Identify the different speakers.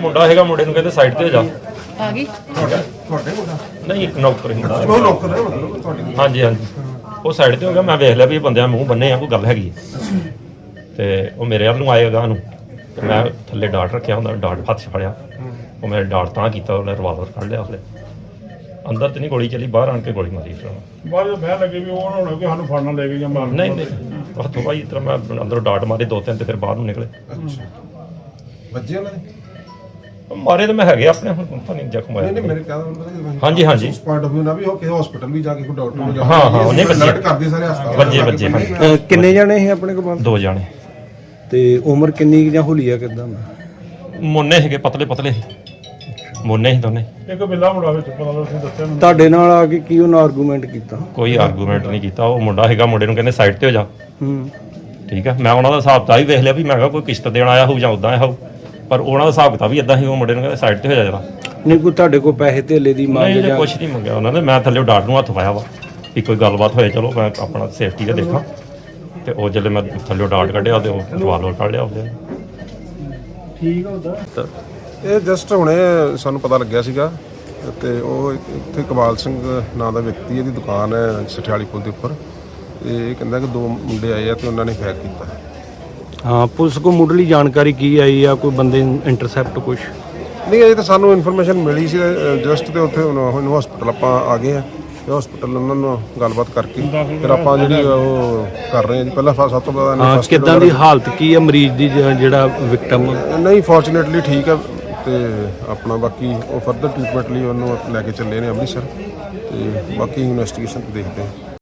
Speaker 1: ਮੁੰਡਾ ਹੈਗਾ, ਮੁੰਡੇ ਨੂੰ ਕਹਿੰਦੇ ਸਾਈਡ ਤੇ ਹੋ ਜਾ।
Speaker 2: ਆ ਗਈ
Speaker 1: ਨਹੀਂ ਇੱਕ ਨੌਕਰ ਹੀ ਹੁੰਦਾ।
Speaker 3: ਤੁਹਾਡੀ
Speaker 1: ਹਾਂਜੀ ਹਾਂਜੀ, ਉਹ ਸਾਈਡ ਤੇ ਹੋ ਗਿਆ। ਮੈਂ ਵੇਖ ਲਿਆ ਵੀ ਇਹ ਬੰਦਿਆਂ ਮੂੰਹ ਬੰਨੇ ਆ, ਕੋਈ ਗੱਲ ਹੈਗੀ ਹੈ। ਤੇ ਉਹ ਮੇਰੇ ਵੱਲ ਨੂੰ ਆਏਗਾ ਨੂੰ, ਤੇ ਮੈਂ ਥੱਲੇ ਡਾਟ ਰੱਖਿਆ ਹੁੰਦਾ, ਡਾਟ ਹੱਥ 'ਚ ਫੜਿਆ। ਉਹ ਮੇਰੇ ਡਾਟ ਤਾਂ ਕੀਤਾ, ਉਹਨੇ ਰਿਵਾਲਵਰ ਕੱਢ ਲਿਆ। ਉਹਨੇ ਅੰਦਰ ਤੇ ਨਹੀਂ ਗੋਲੀ ਚੱਲੀ, ਬਾਹਰ ਆਣ ਕੇ ਗੋਲੀ ਮਾਰੀ ਫਿਰ ਉਹਨੇ।
Speaker 4: ਬਾਅਦ ਵਿੱਚ ਬਹਿ ਲੱਗੇ ਵੀ ਉਹ ਨਾ ਹੋਣਾ ਕਿ ਸਾਨੂੰ ਫੜਨਾ ਲੈ ਕੇ ਜਾਂ ਮਾਰਨ।
Speaker 1: ਨਹੀਂ ਨਹੀਂ, ਹੱਥੋਂ ਭਾਈ ਇਸ ਤਰ੍ਹਾਂ ਮੈਂ ਅੰਦਰੋਂ ਡਾਟ ਮਾਰੇ 2-3 ਤੇ ਫਿਰ ਬਾਹਰ ਨੂੰ ਨਿਕਲੇ।
Speaker 3: ਵੱਜੇ ਉਹਨਾਂ ਨੇ?
Speaker 1: ਮਾਰੇ ਤਾਂ ਮੈਂ ਹੈਗੇ ਆਪਣੇ, ਹੁਣ ਪਤਾ ਨਹੀਂ ਜ਼ਖਮ
Speaker 3: ਨਹੀਂ ਨਹੀਂ,
Speaker 1: ਆਇਆ।
Speaker 3: ਮੇਰੇ ਕਹਿੰਦਾ
Speaker 1: ਹਾਂਜੀ ਹਾਂਜੀ,
Speaker 3: ਉਸ ਪੁਆਇੰਟ ਆਫ ਵਿਊ ਨਾਲ ਵੀ ਉਹ ਕਿਸੇ ਹਸਪੀਟਲ ਵੀ ਜਾ ਕੇ ਕੋਈ ਡਾਕਟਰ ਨੂੰ ਜਾ
Speaker 1: ਹਾਂ ਹਾਂ, ਉਹਨੇ ਵੱਜੇ
Speaker 3: ਅਲਰਟ ਕਰਦੇ ਸਾਰੇ ਹਸਪਤਾਲ
Speaker 1: ਵੱਜੇ ਹਾਂਜੀ।
Speaker 5: ਕਿੰਨੇ ਜਾਣੇ ਸੀ ਆਪਣੇ ਕੋਲ?
Speaker 1: 2 ਜਾਣੇ।
Speaker 5: ਤੇ ਉਮਰ ਕਿੰਨੀ ਜਾਂ ਹੁਲੀਆ ਕਿਦਾਂ?
Speaker 1: ਮੁੰਨੇ ਹੈਗੇ, ਪਤਲੇ ਪਤਲੇ ਮੁੰਨੇ ਹੀ ਦੋਨੇ।
Speaker 4: ਇੱਕ ਬਿੱਲਾ ਮੁੰਡਾ ਵਿੱਚ ਪਤਾ ਲੱਗ ਤੁਸੀਂ ਦੱਸਿਆ ਮੈਨੂੰ।
Speaker 5: ਤੁਹਾਡੇ ਨਾਲ ਆ ਕੇ ਕੀ ਉਹਨਾਂ ਆਰਗੂਮੈਂਟ ਕੀਤਾ?
Speaker 1: ਕੋਈ ਆਰਗੂਮੈਂਟ ਨਹੀਂ ਕੀਤਾ। ਉਹ ਮੁੰਡਾ ਹੈਗਾ, ਮੁੰਡੇ ਨੂੰ ਕਹਿੰਦੇ ਸਾਈਡ ਤੇ ਹੋ ਜਾ।
Speaker 5: ਹੂੰ,
Speaker 1: ਠੀਕ ਹੈ, ਮੈਂ ਉਹਨਾਂ ਦਾ ਹਿਸਾਬ ਤਾਂ ਹੀ ਵੇਖ ਲਿਆ ਵੀ ਮੈਂ ਕਿਹਾ ਕੋਈ ਕਿਸ਼ਤ ਦੇਣ ਆਇਆ ਹੋਊ ਜਾਂ ਉਦਾਂ ਆਇਆ ਹੋਊ, ਪਰ ਉਹਨਾਂ ਦਾ ਹਿਸਾਬ ਕਿਤਾਬ ਵੀ ਇਦਾਂ ਹੀ। ਉਹ ਮੁੰਡੇ ਨੂੰ ਕਹਿੰਦੇ ਸਾਈਡ ਤੇ ਹੋ ਜਾ ਜਰਾ।
Speaker 5: ਨਹੀਂ ਕੋਈ ਤੁਹਾਡੇ ਕੋਲ ਪੈਸੇ ਧੇਲੇ ਦੀ ਮੰਗ
Speaker 1: ਨਹੀਂ
Speaker 5: ਜਾਂ?
Speaker 1: ਕੁਛ ਨਹੀਂ ਮੰਗਿਆ ਉਹਨਾਂ ਨੇ। ਮੈਂ ਥੱਲੇ ਡਾਟ ਨੂੰ ਹੱਥ ਪਾਇਆ ਵਾ ਵੀ ਕੋਈ ਗੱਲਬਾਤ ਹੋਏ, ਚਲੋ ਮੈਂ ਆਪਣਾ ਸੇਫਟੀ ਦਾ ਦੇਖਾਂ। ਤੇ ਉਹ ਜਦੋਂ ਮੈਂ ਥੱਲੇ ਡਾਟ ਕੱਢਿਆ ਤੇ ਉਹ ਰਿਵਾਲਵਰ ਕੱਢ ਲਿਆ ਉਹਦੇ।
Speaker 4: ਠੀਕ ਹੁੰਦਾ।
Speaker 3: ਇਹ ਜਸਟ ਹੁਣੇ ਸਾਨੂੰ ਪਤਾ ਲੱਗਿਆ ਸੀਗਾ ਤੇ ਉਹ ਇੱਥੇ ਇਕਬਾਲ ਸਿੰਘ ਨਾਂ ਦਾ ਵਿਅਕਤੀ, ਇਹਦੀ ਦੁਕਾਨ ਹੈ ਸਠਿਆਲੀ ਪੁਲ ਦੇ ਉੱਪਰ। ਤੇ ਇਹ ਕਹਿੰਦਾ ਕਿ 2 ਮੁੰਡੇ ਆਏ ਆ ਤੇ ਉਹਨਾਂ ਨੇ ਫਾਇਰ ਕੀਤਾ।
Speaker 5: ਹਾਂ, ਪੁਲਿਸ ਕੋਲ ਮੁੱਢਲੀ ਜਾਣਕਾਰੀ ਕੀ ਆਈ ਆ? ਕੋਈ ਬੰਦੇ ਇੰਟਰਸੈਪਟ ਕੁਛ?
Speaker 3: ਨਹੀਂ, ਇਹ ਤਾਂ ਸਾਨੂੰ ਇਨਫੋਰਮੇਸ਼ਨ ਮਿਲੀ ਸੀ ਜਸਟ, ਤੇ ਉੱਥੇ ਹੁਣ ਹਸਪੀਟਲ ਆਪਾਂ ਆ ਗਏ ਆ ਤੇ ਹਸਪੀਟਲ ਉਹਨਾਂ ਨੂੰ ਗੱਲਬਾਤ ਕਰਕੇ ਫਿਰ ਆਪਾਂ ਜਿਹੜੀ ਉਹ ਕਰ ਰਹੇ ਹਾਂ ਜੀ। ਪਹਿਲਾਂ ਸਭ ਤੋਂ ਪਹਿਲਾਂ
Speaker 5: ਹਾਂ, ਕਿੱਦਾਂ ਦੀ ਹਾਲਤ ਕੀ ਹੈ ਮਰੀਜ਼ ਦੀ, ਜਿਹੜਾ ਵਿਕਟਮ?
Speaker 3: ਨਹੀਂ, ਫੋਰਚੂਨੇਟਲੀ ਠੀਕ ਹੈ। ਤੇ ਆਪਣਾ ਬਾਕੀ ਉਹ ਫਰਦਰ ਟ੍ਰੀਟਮੈਂਟ ਲਈ ਉਹਨੂੰ ਲੈ ਕੇ ਚੱਲੇ ਨੇ ਅੰਮ੍ਰਿਤਸਰ। ਤੇ ਬਾਕੀ ਇਨਵੈਸਟੀਗੇਸ਼ਨ ਦੇਖਦੇ ਹਾਂ।